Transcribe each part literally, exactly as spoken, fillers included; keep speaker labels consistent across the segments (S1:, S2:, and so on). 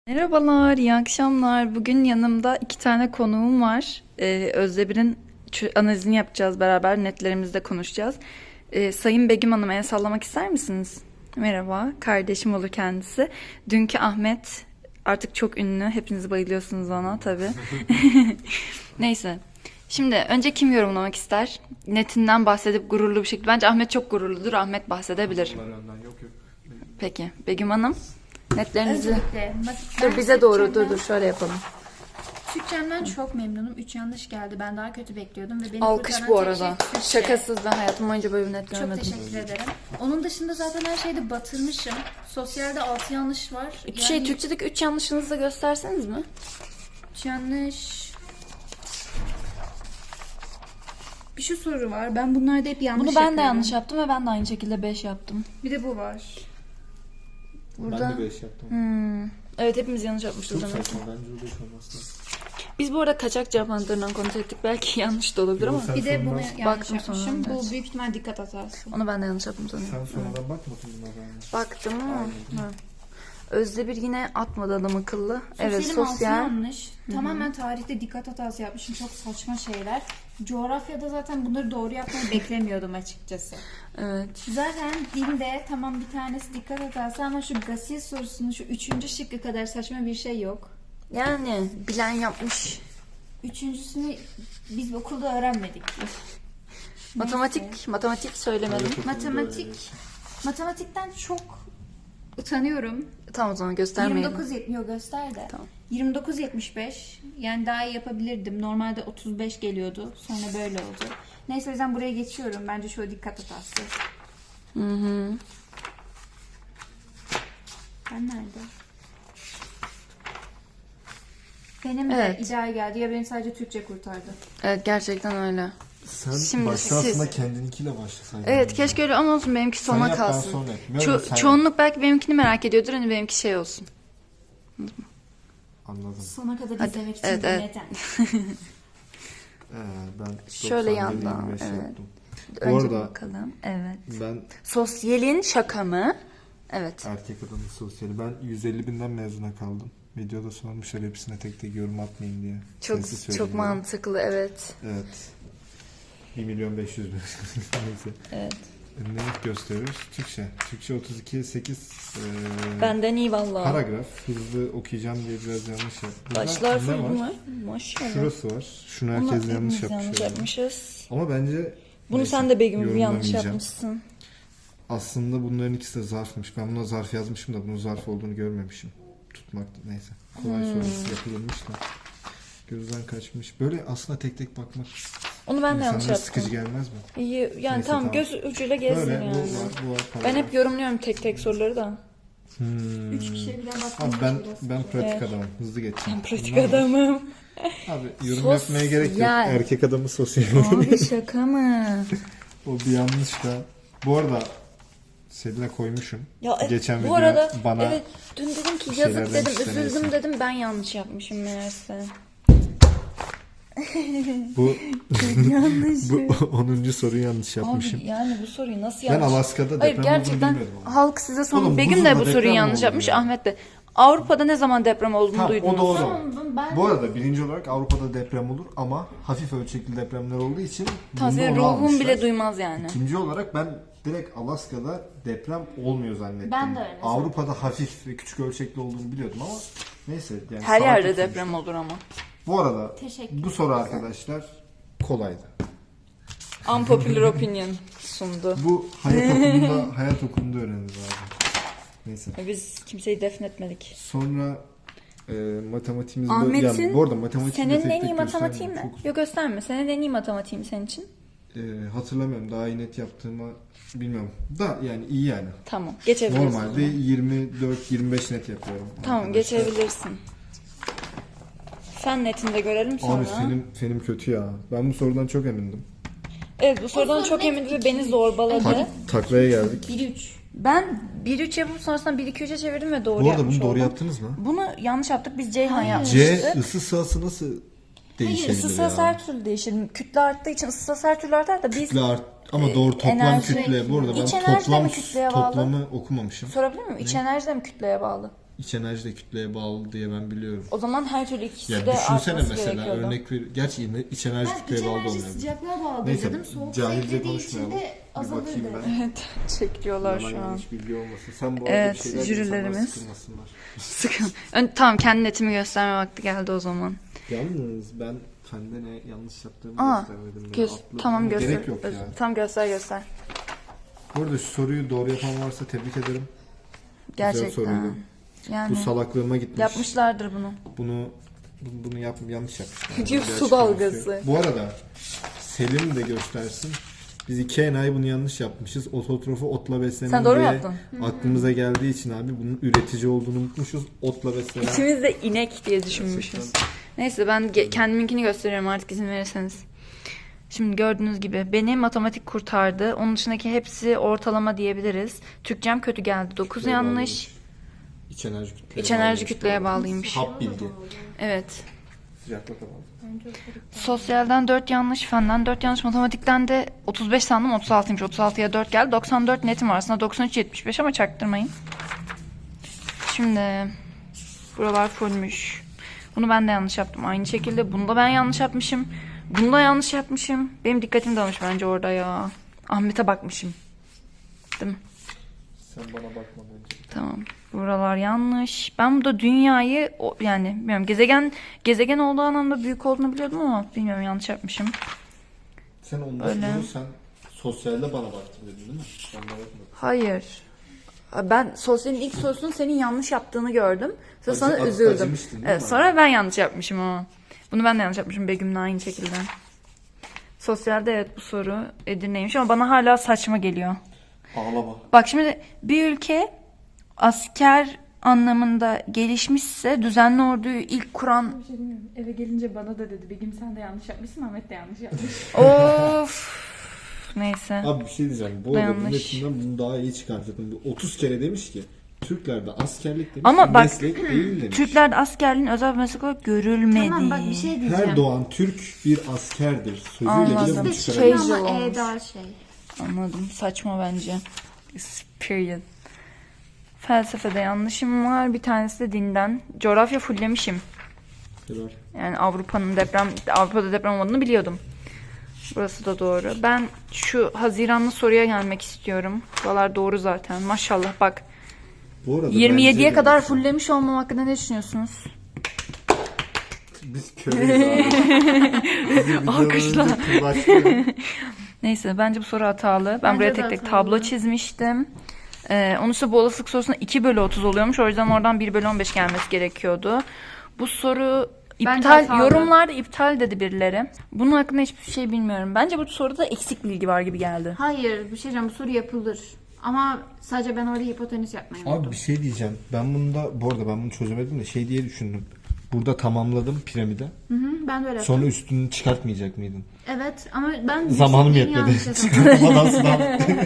S1: Merhabalar, iyi akşamlar. Bugün yanımda iki tane konuğum var. Ee, Özdebir'in çö- analizini yapacağız beraber, netlerimizde konuşacağız. Ee, Sayın Begüm Hanım'a el sallamak ister misiniz? Merhaba, kardeşim olur kendisi. Dünkü Ahmet artık çok ünlü, hepiniz bayılıyorsunuz ona tabii. Neyse, şimdi önce kim yorumlamak ister? Netinden bahsedip gururlu bir şekilde. Bence Ahmet çok gururludur, Ahmet bahsedebilir.
S2: Yok yok.
S1: Peki, Begüm Hanım, netlerinizi...
S3: Öncelikle
S1: Dur bize doğru, dur dur şöyle yapalım.
S3: Türkçemden çok memnunum. Üç yanlış geldi. Ben daha kötü bekliyordum ve beni
S1: Alkış
S3: kurtaran
S1: bu
S3: tek
S1: arada.
S3: şey Türkçe.
S1: Şakasız, ben hayatım boyunca böyle bir net
S3: Çok
S1: görmedim.
S3: teşekkür ederim. Onun dışında zaten her şeyde batırmışım. Sosyalde altı yanlış var.
S1: Bir şey, Türkçedeki üç yanlışınızı da gösterseniz mi?
S3: Üç yanlış. Bir şu soru var. Ben bunlarda hep yanlış
S1: Bunu ben de
S3: yapıyorum.
S1: yanlış yaptım ve ben de aynı şekilde beş yaptım.
S3: Bir de bu var.
S1: Burada...
S2: Ben de beş yaptım.
S1: Hmm. Evet, hepimiz yanlış yapmışız
S2: Çok
S1: demek ki.
S2: saçma. Bence o beş olması lazım.
S1: Biz bu arada kaçak cevap anahtarından kontrol ettik. Belki yanlış da olabilir ama
S2: Sen
S3: Bir de bunu
S2: sonradan-
S3: yanlış
S1: Baktım
S3: yapmışım.
S1: sonra,
S3: Bu
S1: evet.
S3: büyük ihtimal dikkat hatası.
S1: onu ben de yanlış yaptım sanırım.
S2: Sen sonradan bakmadın bunlara.
S1: Baktım ama. Ha. Özdebir yine atmadı adam akıllı. Evet,
S3: Sosyalim altı
S1: sosyal.
S3: yanlış. Tamamen tarihte dikkat hatası yapmışım. Çok saçma şeyler. Coğrafyada zaten bunları doğru yapmayı beklemiyordum açıkçası.
S1: Evet.
S3: Zaten dilde tamam bir tanesi dikkat hatası ama şu gasil sorusunun şu üçüncü şıkkı kadar saçma bir şey yok.
S1: Yani bilen yapmış.
S3: Üçüncüsünü biz okulda öğrenmedik.
S1: Matematik, matematik söylemedim.
S2: Evet.
S3: Matematik, matematikten çok utanıyorum.
S1: Tamam, o zaman göstermeyelim.
S3: yirmi dokuz yetmiyor göster de.
S1: Tamam.
S3: yirmi dokuz yetmiş beş. Yani daha iyi yapabilirdim. Normalde otuz beş geliyordu. Sonra böyle oldu. Neyse o yüzden buraya geçiyorum. Bence şu dikkat hatası.
S1: Hı hı.
S3: Ben nerede? Benim
S1: Evet.
S3: de ideal geldi. Ya beni sadece Türkçe kurtardı.
S1: Evet, gerçekten öyle.
S2: Sen
S1: Şimdi
S2: başta
S1: siz-
S2: aslında kendininkiyle başlasaydın.
S1: Evet, keşke öyle ama olsun, benimki
S2: Sen
S1: sona
S2: yap, ben
S1: kalsın.
S2: sonra yapayım.
S1: Ço-
S2: Yok, sen
S1: çoğunluk belki benimkini merak ediyordur, hani benimki şey olsun.
S2: Anladım.
S3: Sona kadar
S1: Hadi,
S3: izlemek için
S1: evet,
S3: bu
S1: evet.
S3: neden?
S2: Ee, ben
S1: Şöyle
S2: doksan bir
S1: yandan,
S2: yirmi beş
S1: evet.
S2: yaptım. Bu
S1: Önce
S2: arada
S1: bakalım. Evet.
S2: ben
S1: Sosyalin şaka mı? Evet.
S2: erkek adamı sosyali. Ben yüz elli binden mezuna kaldım. Videoda sormuşlar hepsine tek tek yorum atmayın diye.
S1: Çok
S2: Sesli
S1: çok
S2: söyleyeyim
S1: mantıklı, evet.
S2: dedim. Evet. bir milyon beş yüz bin. Neyse.
S1: Evet.
S2: Ne gösteriyoruz? Türkçe. Türkçe otuz iki sekiz. Ee,
S1: Benden iyi vallahi.
S2: Paragraf. Hızlı okuyacağım diye biraz yanlış yaptım. Burada
S1: Başlar
S2: ne
S1: full
S2: var?
S1: mu? Maşallah.
S2: Şurası var. Şunu
S1: Bunu
S2: herkes
S1: hepimiz
S2: yanlış yapmış.
S1: yanlış
S2: herhalde.
S1: yapmışız.
S2: Ama bence
S1: Bunu
S2: neyse,
S1: sen de Begüm gibi yanlış
S2: yorumlamayacağım.
S1: yapmışsın.
S2: Aslında bunların ikisi de zarfmış. Ben buna zarf yazmışım da bunun zarf olduğunu görmemişim. Tutmak neyse. Kolay
S1: Hmm.
S2: sorusu yapılmış da. Gözden kaçmış. Böyle aslında tek tek bakmak
S1: Onu ben de yanlış
S2: insanlara
S1: yaptım.
S2: sıkıcı gelmez mi?
S1: İyi, yani
S2: Neyse,
S1: tamam,
S2: tamam.
S1: göz ucuyla gezdim
S2: Böyle
S1: yani.
S2: bu var, bu var.
S1: Ben
S2: paragraf.
S1: hep yorumluyorum tek tek soruları da.
S2: Hmm.
S3: Üç kişiye birden baktım.
S2: Abi ben ben pratik
S1: Evet.
S2: adamım. Hızlı geçeceğim.
S1: Ben pratik
S2: Bunlar var.
S1: adamım.
S2: Abi yorum
S1: Sosyal.
S2: yapmaya gerek yok. Erkek adamı sosyal.
S1: Abi şaka mı?
S2: O bir yanlış da. Bu arada Selin'e koymuşum.
S1: Ya e,
S2: Geçen
S1: bu
S2: video
S1: arada
S2: bana
S1: evet, dün dedim ki
S2: bir
S1: yazık
S2: şeyler
S1: dedim,
S2: demişti,
S1: üzüldüm
S2: neyse.
S1: dedim, ben yanlış yapmışım meğerse.
S2: bu
S1: Yanlış.
S2: bu onuncu soruyu yanlış yapmışım.
S1: Abi yani bu soruyu nasıl
S2: Ben
S1: yanlış?
S2: Alaska'da
S1: Hayır,
S2: deprem olduğunu
S1: gerçekten
S2: bilmiyordum ama.
S1: halk size son
S2: Oğlum,
S1: Begüm de
S2: buzulda
S1: bu
S2: deprem
S1: soruyu
S2: mi
S1: yanlış
S2: oldu
S1: yapmış,
S2: ya?
S1: Ahmet de. Avrupa'da ne zaman deprem olduğunu
S2: Tamam,
S1: duydunuz?
S2: o doğru.
S3: Tamam, ben
S2: Bu arada birinci olarak Avrupa'da deprem olur ama hafif ölçekli depremler olduğu için
S1: Tam
S2: bunda
S1: senin
S2: onu
S1: ruhun
S2: almışlar.
S1: bile duymaz yani.
S2: İkinci olarak ben direkt Alaska'da deprem olmuyor zannettim.
S3: Ben de öyle
S2: Avrupa'da hafif ve küçük ölçekli olduğunu biliyordum ama neyse. Yani
S1: Her
S2: saat
S1: yerde
S2: tutmuş.
S1: deprem olur ama.
S2: Bu arada
S3: Teşekkür
S2: bu soru arkadaşlar kolaydı.
S1: Unpopular opinion sundu.
S2: Bu hayat okulunda hayat okulunda öğreniriz abi. Neyse.
S1: Biz kimseyi defnetmedik.
S2: Sonra e, matematiğimiz böyle.
S1: Ahmet'in
S2: Yani bu arada matematiğini de
S1: senin
S2: tek
S1: en iyi
S2: tek
S1: matematiği mi?
S2: göstermiyorum. Çok-
S1: Yok, gösterme. Senin en iyi matematiği mi senin için?
S2: E, hatırlamıyorum. Daha iyi net yaptığımı bilmiyorum. Da yani iyi yani.
S1: Tamam, geçebilirsin. o
S2: Normalde
S1: zaman.
S2: yirmi dört yirmi beş net yapıyorum.
S1: Tamam,
S2: arkadaşlar.
S1: geçebilirsin. Fen netinde görelim sonra.
S2: Abi fenim, fenim kötü ya. Ben bu sorudan çok emindim.
S1: Evet, bu sorudan
S3: soru
S1: çok
S3: net
S1: emindim ve
S3: iki,
S1: beni
S3: üç.
S1: zorbaladı.
S2: Tak, taklaya geldik.
S3: bir üç.
S1: Ben bir üç yapıp sonrasında bir iki üçe çevirdim ve doğru
S2: Bu arada
S1: yapmış
S2: bunu doğru
S1: oldum.
S2: yaptınız mı?
S1: Bunu yanlış yaptık. Biz Ceyhan
S3: Hayır.
S1: yapmıştık.
S2: C ısı sırası nasıl değişebilir
S1: Isı
S2: ya?
S1: sırası her türlü değişir. Kütle arttığı için ısı sırası her türlü artar da biz...
S2: Kütle art ama doğru toplam
S1: enerji-
S2: kütle. Bu arada ben
S1: İç enerji de
S2: toplam
S1: mi kütleye bağlı?
S2: toplamı okumamışım.
S1: Sorabilir miyim? İç enerji de mi kütleye bağlı?
S2: iç enerji de kütleye bağlı diye ben biliyorum.
S1: O zaman her türlü ikisi
S2: Ya
S1: de
S2: düşünsene
S1: artması
S2: mesela
S1: gerekiyordu.
S2: örnek ver. Gerçi yine iç enerji
S3: Ben iç
S2: kütleye bağlı
S3: enerji
S2: olmuyor.
S3: sıcaklığa bağlı
S2: Neyse,
S3: dedim. Soğuk
S2: cahilce
S3: beklediği için
S2: konuşmayalım.
S3: de
S2: Bir
S3: azalırdı.
S2: bakayım ben.
S1: Evet, çekiyorlar
S2: Yalan
S1: şu an.
S2: yanlış bilgi olmasın. Sen bu arada
S1: Evet,
S2: bir şeyler
S1: jürilerimiz.
S2: insanlar sıkılmasınlar.
S1: Sıkın. Ön- Tamam, kendi netimi gösterme vakti geldi o zaman.
S2: Yalnız ben sende ne yanlış yaptığımı
S1: Aa,
S2: göstermedim. Ben
S1: Göz,
S2: atladım.
S1: tamam göster.
S2: Gerek yok ya.
S1: Tamam göster göster.
S2: Bu arada şu soruyu doğru yapan varsa tebrik ederim.
S1: Gerçekten.
S2: soruydu.
S1: Yani
S2: Bu salaklığıma gitmiş.
S1: yapmışlardır bunu.
S2: Bunu bu- bunu yap, yanlış yapmışlar.
S1: Diyor,
S2: Bir
S1: su
S2: açıklaması
S1: dalgası.
S2: yok. Bu arada Selim de göstersin. Biz iki enayi bunu yanlış yapmışız. Ototrofu otla beslenen
S1: Sen doğru mu
S2: diye
S1: yaptın?
S2: aklımıza geldiği için abi bunun üretici olduğunu unutmuşuz. Otla beslenen.
S1: İkimiz de inek diye düşünmüşüz.
S2: Gerçekten.
S1: Neyse ben ge- kendiminkini gösteriyorum artık izin verirseniz. Şimdi gördüğünüz gibi beni matematik kurtardı. Onun dışındaki hepsi ortalama diyebiliriz. Türkçem kötü geldi. dokuz
S2: Kütleye
S1: yanlış.
S2: bağlıymış. İç enerji kütleye
S1: İç enerji
S2: bağlıymış.
S1: kütleye bağlıymış.
S2: Hap bilgi.
S1: Evet.
S2: Sıcaklığa bağlı.
S1: Sosyalden dört yanlış, fenden dört yanlış, matematikten de otuz beş sandım, otuz altıymış. otuz altıya dört geldi. doksan dört netim var aslında, doksan üç yetmiş beş ama çaktırmayın. Şimdi buralar fullmüş. Bunu ben de yanlış yaptım. Aynı şekilde bunu da ben yanlış yapmışım. Bunu da yanlış yapmışım. Benim dikkatim dağılmış bence orada ya. Ahmet'e bakmışım. Değil mi?
S2: Sen bana bakma bence.
S1: Tamam. Buralar yanlış. Ben burada dünyayı o- yani bilmiyorum gezegen gezegen olduğu anlamda büyük olduğunu biliyordum ama bilmiyorum yanlış yapmışım.
S2: Sen ondan
S1: Öyle.
S2: bunu sen sosyalde bana baktın dedin değil mi? Ben bana bakmadım.
S1: Hayır. Ben sosyalin ilk sorusunu senin yanlış yaptığını gördüm. Sonra
S2: Acı-
S1: sana
S2: ac-
S1: üzüldüm.
S2: acımıştın değil
S1: Evet,
S2: mi?
S1: sonra ben yanlış yapmışım ama. Bunu ben de yanlış yapmışım Begüm'le aynı şekilde. Sosyalde evet bu soru Edirne'ymiş ama bana hala saçma geliyor.
S2: Ağlama.
S1: Bak şimdi bir ülke asker anlamında gelişmişse düzenli orduyu ilk kuran
S4: Bir şey demiyorum. Eve gelince bana da dedi. Begüm sen de yanlış yapmışsın, Ahmet de yanlış yapmış.
S1: of neyse.
S2: Abi bir şey diyeceğim. Bu
S1: Bu
S2: arada bu
S1: yanlış.
S2: metinden bunu daha iyi çıkarttım. Bu otuz kere demiş ki Türklerde askerlik demiş.
S1: Ama bak,
S2: meslek değil demiş.
S1: Türklerde askerliğin özel bir meslek olarak görülmedi.
S3: Tamam bak bir şey diyeceğim.
S2: Her doğan Türk bir askerdir. Sözüyle
S1: Anladım.
S2: bile bunu
S3: İkisi de
S2: çıkarabilir.
S3: şey ama
S1: Casual
S3: E
S1: olmuş.
S3: daha şey.
S1: Anladım. Saçma bence. It's period. Felsefede yanlışım var. Bir tanesi de dinden. Coğrafya fullemişim.
S2: Helal.
S1: Yani Avrupa'nın deprem, Avrupa'da deprem olmadığını biliyordum. Burası da doğru. Ben şu Haziranlı soruya gelmek istiyorum. Buralar doğru zaten. Maşallah bak.
S2: Bu arada
S1: yirmi yediye
S2: bence de
S1: kadar
S2: mesela-
S1: fullemiş olmam hakkında ne düşünüyorsunuz?
S2: Biz köreyiz abi. Bizim
S1: Alkışla.
S2: videolarımızda kırbaçlıyor.
S1: Neyse bence bu soru hatalı. Ben
S3: Bence
S1: buraya
S3: de
S1: tek tek
S3: hatalı.
S1: tablo çizmiştim. Ee, onun üstüne bu olasılık sorusunda iki bölü otuz oluyormuş. O yüzden oradan bir bölü on beş gelmesi gerekiyordu. Bu soru
S3: Bence
S1: iptal,
S3: hatalı.
S1: yorumlarda iptal dedi birileri. Bunun hakkında hiçbir şey bilmiyorum. Bence bu soruda eksik bilgi var gibi geldi.
S3: Hayır bir şey diyeceğim bu soru yapılır. Ama sadece ben orada hipotenüs yapmayı
S2: Abi
S3: unuttum.
S2: bir şey diyeceğim. Ben bunu da bu arada ben bunu çözemedim de şey diye düşündüm. Burada tamamladım piramide.
S3: Hı hı, ben de öyle yaptım.
S2: Sonra üstünü çıkartmayacak mıydın?
S3: Evet ama ben
S2: Zamanım
S3: yüksekliğini
S2: yetmedi.
S3: yanlış hesapladım.
S2: Çıkartmadan sınav.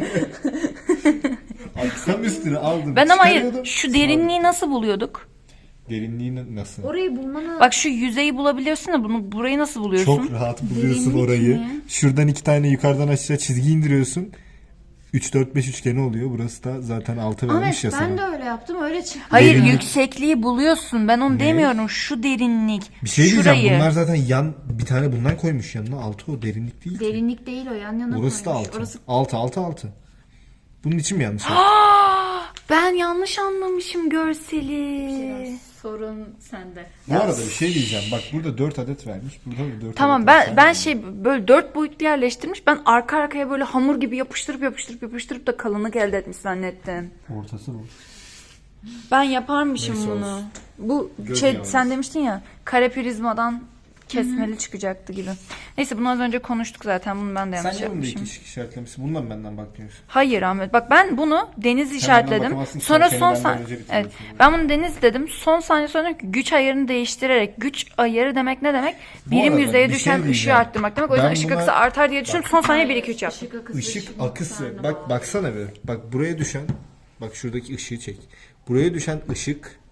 S2: Abi tam üstünü aldım.
S1: Ben ama hayır
S2: çıkarıyordum,
S1: şu
S2: sınav
S1: derinliği
S2: bitti.
S1: nasıl buluyorduk?
S2: Derinliği nasıl?
S3: Orayı bulmanı...
S1: Bak şu yüzeyi bulabiliyorsun da bunu burayı nasıl buluyorsun?
S2: Çok rahat buluyorsun
S3: Derinlik
S2: orayı.
S3: mi?
S2: Şuradan iki tane yukarıdan aşağı çizgi indiriyorsun. üç dört beş üçgeni oluyor. Burası da zaten altı vermiş
S3: Ahmet
S2: ya
S3: ben
S2: sana.
S3: de öyle yaptım öyle çıktı.
S1: Hayır
S2: Derinlik.
S1: yüksekliği buluyorsun. Ben onu demiyorum. Şu derinlik.
S2: Bir şey
S1: şurayı.
S2: diyeceğim. Bunlar zaten yan bir tane bundan koymuş yanına. altı o derinlik değil ki.
S3: Derinlik değil o yan yana
S2: Orası da
S3: koymuş.
S2: altı.
S3: Orası
S2: altı altı altı. Bunun için mi yanlış yaptın?
S1: Aa, ben yanlış anlamışım görseli.
S4: Sorun sende.
S2: Bu arada bir şey diyeceğim. Bak burada dört adet vermiş. Burada da dört
S1: Tamam
S2: adet
S1: ben
S2: vermiş.
S1: ben şey böyle dört boyutlu yerleştirmiş. Ben arka arkaya böyle hamur gibi yapıştırıp yapıştırıp yapıştırıp da kalınlık elde etmiş zannettim.
S2: Ortası bu.
S1: Ben yaparmışım
S2: Neyse
S1: bunu.
S2: olsun.
S1: Bu
S2: Göz
S1: şey
S2: yalnız.
S1: sen demiştin ya kare prizmadan kesmeli çıkacaktı gibi. Neyse bunu az önce konuştuk zaten. Bunu ben de yanlış
S2: Sen niye bunda
S1: yapmışım.
S2: iki ışık işaretlemişsin? Bundan benden bakmıyorsun.
S1: Hayır Ahmet. Bak ben bunu deniz işaretledim.
S2: bakamazsın ki,
S1: Sonra
S2: sen
S1: son
S2: benden
S1: saniye
S2: önce
S1: evet,
S2: bitiriyorsun.
S1: ben bunu deniz dedim. Son saniye sonra dedim ki güç ayarını değiştirerek güç ayarı demek ne demek?
S2: Bu
S1: Birim
S2: arada
S1: yüzeye
S2: bir şey
S1: düşen ışığı
S2: diyeceğim.
S1: arttırmak demek. O yüzden
S2: Ben
S1: ışık
S2: buna-
S1: akısı artar diye düşünüp son saniye bir iki üç yaptım.
S3: ışık akısı.
S2: Işık
S3: ışığın
S2: akısı.
S3: miktarına
S2: Bak
S3: bağlı.
S2: baksana bir. Bak buraya düşen bak şuradaki ışığı çek. Buraya düşen ışık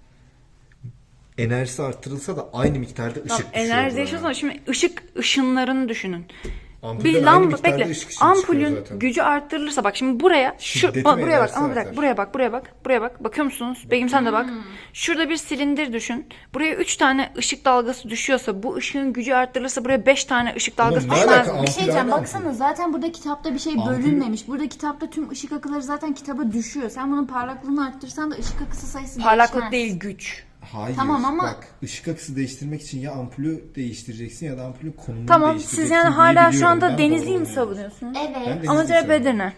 S2: enerjisi arttırılsa da aynı miktarda ışık
S1: Tamam,
S2: düşüyor.
S1: enerji
S2: buraya.
S1: değişiyorsa şimdi ışık ışınlarını düşünün.
S2: Ampulden
S1: bir
S2: aynı
S1: lamba
S2: miktarda
S1: bekle.
S2: ışık ışığı çıkıyor
S1: Ampulün
S2: zaten.
S1: gücü arttırılırsa bak şimdi buraya şu
S2: Şiddeti
S1: bak,
S2: ve
S1: buraya bak
S2: enerjisi
S1: ama bir dakika
S2: artar.
S1: buraya bak buraya bak buraya bak bakıyor musunuz? Begüm sen de bak. Şurada bir silindir düşün. Buraya üç tane ışık dalgası düşüyorsa bu ışığın gücü arttırılırsa buraya beş tane ışık dalgası
S2: ne
S1: düşmez
S2: alaka?
S1: mi?
S3: Bir şey
S2: Ampul
S3: diyeceğim
S2: aynı
S3: baksana
S2: ampul.
S3: zaten burada kitapta bir şey
S2: Ampul-
S3: bölünmemiş. Burada kitapta tüm ışık akıları zaten kitaba düşüyor. Sen bunun parlaklığını arttırsan da ışık akısı sayısı
S1: Parlaklık
S3: değişmez.
S1: değil güç.
S2: Hayır.
S3: Tamam ama-
S2: Bak ışık akısı değiştirmek için ya ampulü değiştireceksin ya da ampulün konumunu
S1: Tamam
S2: değiştireceksin.
S1: siz yani
S2: diye
S1: hala şu
S2: biliyorum.
S1: anda
S2: Ben
S1: Denizli'yi mi
S2: doğru
S1: savunuyorsunuz?
S3: Evet.
S2: Ben de-
S1: Ama
S2: Denizli'yi
S1: cevap
S2: savunuyorum.
S1: Edirne.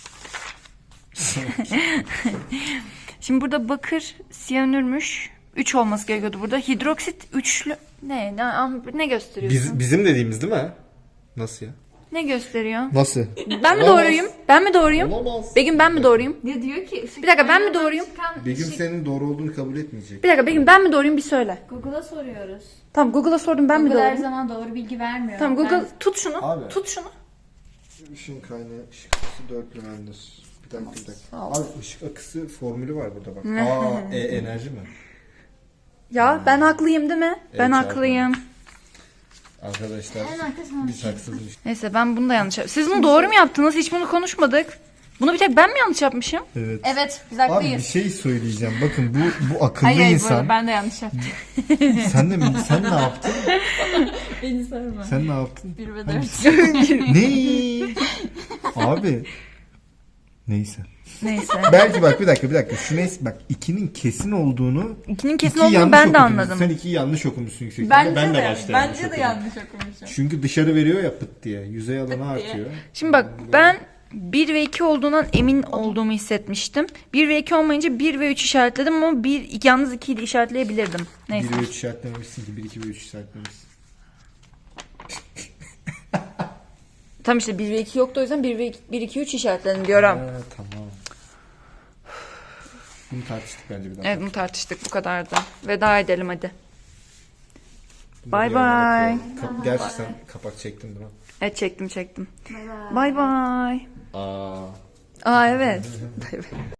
S1: Şimdi burada bakır siyanürmüş. üç olması gerekiyordu burada. Hidroksit üçlü. Ne? Ne, ne gösteriyorsun?
S2: Biz, bizim dediğimiz değil mi? Nasıl ya?
S1: Ne gösteriyor?
S2: Nasıl?
S1: Ben mi
S2: Olamaz.
S1: doğruyum? Ben mi doğruyum?
S2: Olamaz.
S1: Begüm ben mi doğruyum?
S3: Ya diyor ki ışık
S1: Bir dakika, ben mi
S3: kaynağı
S1: doğruyum?
S3: çıkan
S2: Begüm
S3: ışık-
S2: senin doğru olduğunu kabul etmeyecek.
S1: Bir dakika Begüm ben mi doğruyum bir söyle.
S3: Google'a soruyoruz.
S1: Tamam Google'a sordum ben mi
S3: Google her
S1: doğruyum?
S3: zaman doğru bilgi vermiyor.
S1: Tamam Google
S3: Ben-
S1: tut şunu.
S2: Abi.
S1: Tut şunu.
S2: Işığın kaynağı ışık akısı dörtlümendir. Bir dakika bir dakika.
S1: Sağ ol.
S2: Abi ışık akısı formülü var burada bak. Aa, e, enerji mi?
S1: Ya ben haklıyım değil mi? Ben
S2: Evet,
S1: haklıyım.
S2: Arkadaşlar
S3: En arkasına
S2: biz haksızız.
S1: Neyse ben bunu da yanlış yaptım. Siz bunu doğru mu yaptınız? Hiç bunu konuşmadık. Bunu bir tek ben mi yanlış yapmışım?
S2: Evet.
S3: Evet biz
S2: Abi bir
S3: haklıyız.
S2: şey söyleyeceğim. Bakın bu bu akıllı
S4: Hayır hayır bu
S2: insan.
S4: arada ben de yanlış yaptım.
S2: Sen de mi? Sen ne yaptın?
S4: Beni sorma.
S2: Sen ne yaptın?
S4: Bir ve
S2: Hani-
S4: dört.
S2: ne? Abi. Neyse.
S1: Neyse.
S2: Belki bak bir dakika bir dakika. Şu neyse bak ikinin kesin olduğunu
S1: İkinin kesin
S2: iki
S1: olduğunu
S2: yanlış
S1: ben de
S2: okumuşsun.
S1: anladım.
S2: Sen ikiyi yanlış okumuşsun yüksek ihtimalle.
S4: Bence
S2: Ben de
S4: de,
S2: başta
S4: bence de
S2: okudum.
S4: yanlış okumuşum.
S2: Çünkü dışarı veriyor ya pıt diye. Yüzey alanı artıyor.
S1: Şimdi bak ben bir ve iki olduğundan emin olduğumu hissetmiştim. bir ve iki olmayınca bir ve üç işaretledim ama bir yalnız ikiyi de işaretleyebilirdim. Neyse.
S2: bir ve üç işaretlememişsin ki. bir, iki ve üç işaretlemişsin.
S1: Tam işte bir ve iki yoktu o yüzden bir ve bir iki üç işaretledim diyorum.
S2: Ha, tamam. Bunu tartıştık bence bir daha.
S1: Evet bunu tartıştık bu kadardı. Veda edelim hadi.
S2: Bunu
S1: Bye
S2: bir yana
S1: bye.
S2: koyalım. Kap- Gerçi sen kapak çektin değil mi?
S1: Evet çektim çektim. Bye bye.
S2: Aa.
S1: Aa evet. Bay bay.